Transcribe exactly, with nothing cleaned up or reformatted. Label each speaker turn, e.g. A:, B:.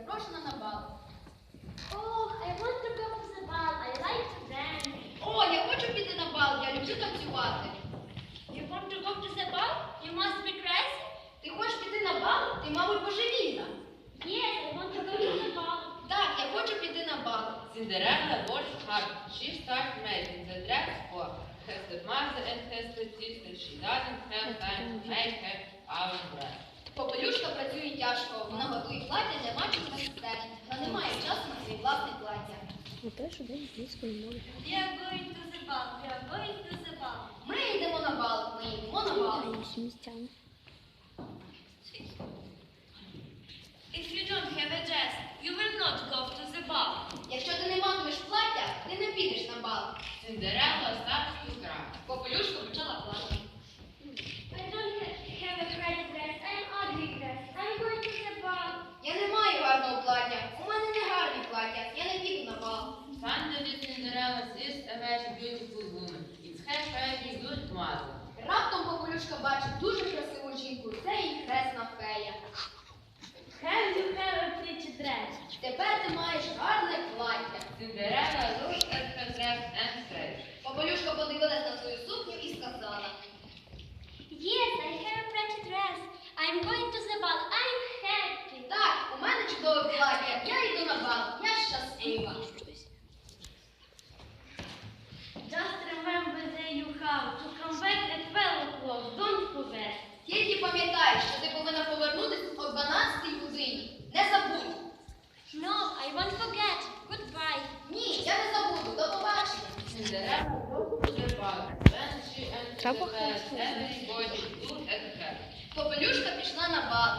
A: запрошена на бал.
B: Oh, I want to go to the ball. I like to dance.
A: О, я хочу піти на бал, я люблю танцювати.
B: You want to go to the ball? You must be crazy.
A: Ти хочеш піти на бал? Ти, мабуть, божевільна.
B: Yes, I want to go to the ball.
A: Так, я хочу піти на бал.
C: Cinderella works hard. She starts making the dress for her stepmother and her stepsister. She doesn't have time to make her own dress.
A: Попелюшка працює тяжко, вона готує плаття для матір та сестер. Вона не має часу на своє власне плаття.
D: Теж день англійської мови.
B: We are going to the ball. We are going to the ball.
A: Ми йдемо на бал, ми йдемо на бал.
D: Інші містяни.
B: If you don't have a dress, you will not go to the ball.
A: Якщо ти не матимеш плаття, ти не підеш на бал.
C: Cinderella starts to cry.
A: Попелюшка почала плакати.
B: I don't have a pretty dress. I'm ugly dress. I'm going to the ball.
A: Я не маю гарного плаття, у мене не гарне плаття, я не піду на бал.
C: Finally, Cinderella sees a very beautiful woman. It's her very good mother.
A: Раптом Попелюшка бачить дуже красиву жінку, це її хресна фея.
B: Have you have a pretty dress?
A: Тепер ти маєш гарне плаття.
C: Cinderella looked at her dress and said,
A: Попелюшка подивилась на свою сукню і сказала:
B: Yes, I have a pretty dress. I'm going to the ball. I'm happy.
A: так, у мене чудове плаття, я йду на бал, я щаслива.
B: Just remember that you have to come back at twelve o'clock. Don't forget.
A: Тільки пам'ятай, що ти повинна повернутися о дванадцятій годині. Не забудь.
B: No, I won't forget. Goodbye.
A: Ні, я не забуду. До побачення.
C: Cinderella goes to the ball. When she enters the
D: Треба
C: palace, every